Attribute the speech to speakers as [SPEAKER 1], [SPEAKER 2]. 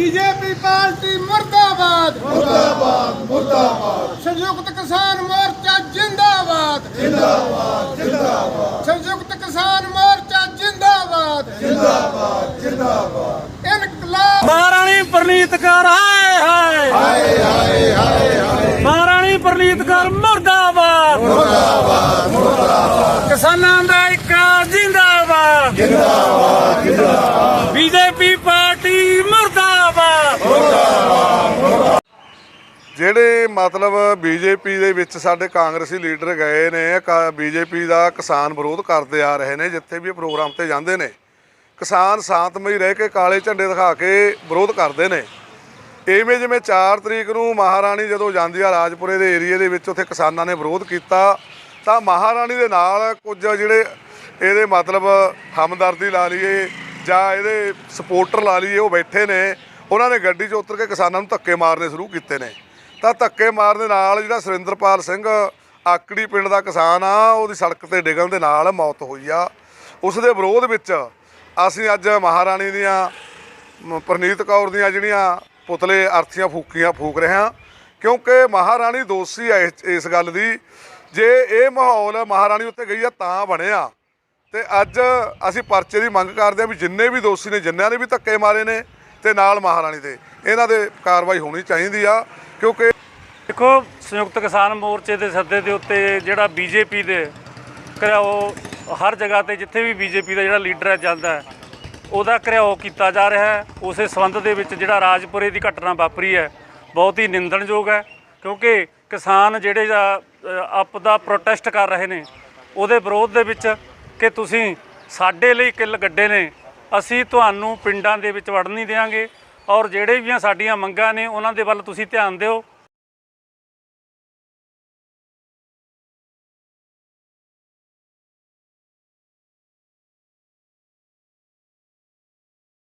[SPEAKER 1] BJP party मुर्दाबाद
[SPEAKER 2] मुर्दाबाद मुर्दाबाद।
[SPEAKER 1] संयुक्त किसान मोर्चा जिंदाबाद
[SPEAKER 2] जिंदाबाद जिंदाबाद
[SPEAKER 1] संयुक्त किसान मोर्चा जिंदाबाद
[SPEAKER 2] जिंदाबाद जिंदाबाद।
[SPEAKER 1] इनकलाब
[SPEAKER 3] महारानी परनीत कौर हाय हाय
[SPEAKER 2] हाय हाय हाय हाय।
[SPEAKER 3] महारानी परनीत कौर मुर्दाबाद
[SPEAKER 2] मुर्दाबाद मुर्दाबाद
[SPEAKER 3] किसानां दा इक जिंदाबाद
[SPEAKER 2] जिंदाबाद जिंदाबाद।
[SPEAKER 3] बीजेपी पार्टी मुर्दाबाद।
[SPEAKER 4] ਜਿਹੜੇ ਮਤਲਬ ਬੀਜੇਪੀ ਦੇ ਵਿੱਚ ਸਾਡੇ ਕਾਂਗਰਸੀ ਲੀਡਰ ਗਏ ਨੇ ਬੀਜੇਪੀ ਦਾ ਕਿਸਾਨ ਵਿਰੋਧ ਕਰਦੇ ਆ ਰਹੇ ਨੇ। ਜਿੱਥੇ ਵੀ ਇਹ ਪ੍ਰੋਗਰਾਮ ਤੇ ਜਾਂਦੇ ਨੇ ਕਿਸਾਨ ਸ਼ਾਂਤਮਈ ਰਹਿ ਕੇ ਕਾਲੇ ਝੰਡੇ ਦਿਖਾ ਕੇ ਵਿਰੋਧ ਕਰਦੇ ਨੇ। ਇਵੇਂ ਜਿਵੇਂ 4 ਤਰੀਕ ਨੂੰ ਮਹਾਰਾਣੀ ਜਦੋਂ ਜਾਂਦੀ ਆ ਰਾਜਪੁਰੇ ਦੇ ਏਰੀਏ ਦੇ ਵਿੱਚ, ਉੱਥੇ ਕਿਸਾਨਾਂ ਨੇ ਵਿਰੋਧ ਕੀਤਾ ਤਾਂ ਮਹਾਰਾਣੀ ਦੇ ਨਾਲ ਕੁਝ ਜਿਹੜੇ ਇਹਦੇ ਮਤਲਬ ਹਮਦਰਦੀ ਲਾ ਲਈਏ ਜਾਂ ਇਹਦੇ ਸਪੋਰਟਰ ਲਾ ਲਈਏ, ਉਹ ਬੈਠੇ ਨੇ। ਉਹਨਾਂ ਨੇ ਗੱਡੀ 'ਚ ਉਤਰ ਕੇ ਕਿਸਾਨਾਂ ਨੂੰ ਧੱਕੇ ਮਾਰਨੇ ਸ਼ੁਰੂ ਕੀਤੇ ਨੇ। ਤਾਂ ਧੱਕੇ ਮਾਰਨ ਦੇ ਨਾਲ ਜਿਹੜਾ ਸੁਰਿੰਦਰਪਾਲ ਸਿੰਘ ਆਕੜੀ ਪਿੰਡ ਦਾ ਕਿਸਾਨ ਆ, ਉਹਦੀ ਸੜਕ ਤੇ ਡਿੱਗਣ ਦੇ ਨਾਲ ਮੌਤ ਹੋਈ ਆ। ਉਸ ਦੇ ਵਿਰੋਧ ਵਿੱਚ ਅਸੀਂ ਅੱਜ ਮਹਾਰਾਣੀ ਦੀਆਂ ਪ੍ਰਨੀਤ ਕੌਰ ਦੀਆਂ ਜਿਹੜੀਆਂ ਪੁਤਲੇ ਅਰਥੀਆਂ ਫੂਕ ਰਹੇ ਹਾਂ, ਕਿਉਂਕਿ ਮਹਾਰਾਣੀ ਦੋਸ਼ੀ ਹੈ ਇਸ ਗੱਲ ਦੀ। ਜੇ ਇਹ ਮਾਹੌਲ ਮਹਾਰਾਣੀ ਉੱਤੇ ਗਈ ਆ ਤਾਂ ਬਣਿਆ, ਤੇ ਅੱਜ ਅਸੀਂ ਪਰਚੇ ਦੀ ਮੰਗ ਕਰਦੇ ਹਾਂ ਵੀ ਜਿੰਨੇ ਵੀ ਦੋਸ਼ੀ ਨੇ, ਜਿਨ੍ਹਾਂ ਨੇ ਵੀ ਧੱਕੇ ਮਾਰੇ ਨੇ ਤੇ ਨਾਲ ਮਹਾਰਾਣੀ ਦੇ, ਇਹਨਾਂ ਦੇ ਕਾਰਵਾਈ ਹੋਣੀ ਚਾਹੀਦੀ ਆ। ਕਿਉਂਕਿ
[SPEAKER 3] ਦੇਖੋ, ਸੰਯੁਕਤ ਕਿਸਾਨ ਮੋਰਚੇ ਦੇ ਸੱਦੇ ਦੇ ਉੱਤੇ ਜਿਹੜਾ ਬੀਜੇਪੀ ਦੇ ਘਿਰਾਓ ਹਰ ਜਗ੍ਹਾ ਤੇ ਜਿੱਥੇ ਵੀ ਬੀਜੇਪੀ ਦਾ ਜਿਹੜਾ ਲੀਡਰ ਜਾਂਦਾ ਹੈ, ਉਹਦਾ ਘਿਰਾਓ ਕੀਤਾ ਜਾ ਰਿਹਾ ਹੈ। ਉਸੇ ਸੰਬੰਧ ਦੇ ਵਿੱਚ ਜਿਹੜਾ ਰਾਜਪੁਰੇ ਦੀ ਘਟਨਾ ਵਾਪਰੀ ਹੈ, ਬਹੁਤ ਹੀ ਨਿੰਦਣਯੋਗ ਹੈ। ਕਿਉਂਕਿ ਕਿਸਾਨ ਜਿਹੜੇ ਆਪਦਾ ਪ੍ਰੋਟੈਸਟ ਕਰ ਰਹੇ ਨੇ ਉਹਦੇ ਵਿਰੋਧ ਦੇ ਵਿੱਚ ਕਿ ਤੁਸੀਂ ਸਾਡੇ ਲਈ ਕਿੱਲ ਗੱਡੇ ਨੇ, ਅਸੀਂ ਤੁਹਾਨੂੰ ਪਿੰਡਾਂ ਦੇ ਵਿੱਚ ਵੜਨ ਨਹੀਂ ਦੇਵਾਂਗੇ, ਔਰ ਜਿਹੜੇ ਵੀ ਸਾਡੀਆਂ ਮੰਗਾਂ ਨੇ ਉਹਨਾਂ ਦੇ ਵੱਲ ਤੁਸੀਂ ਧਿਆਨ ਦਿਓ।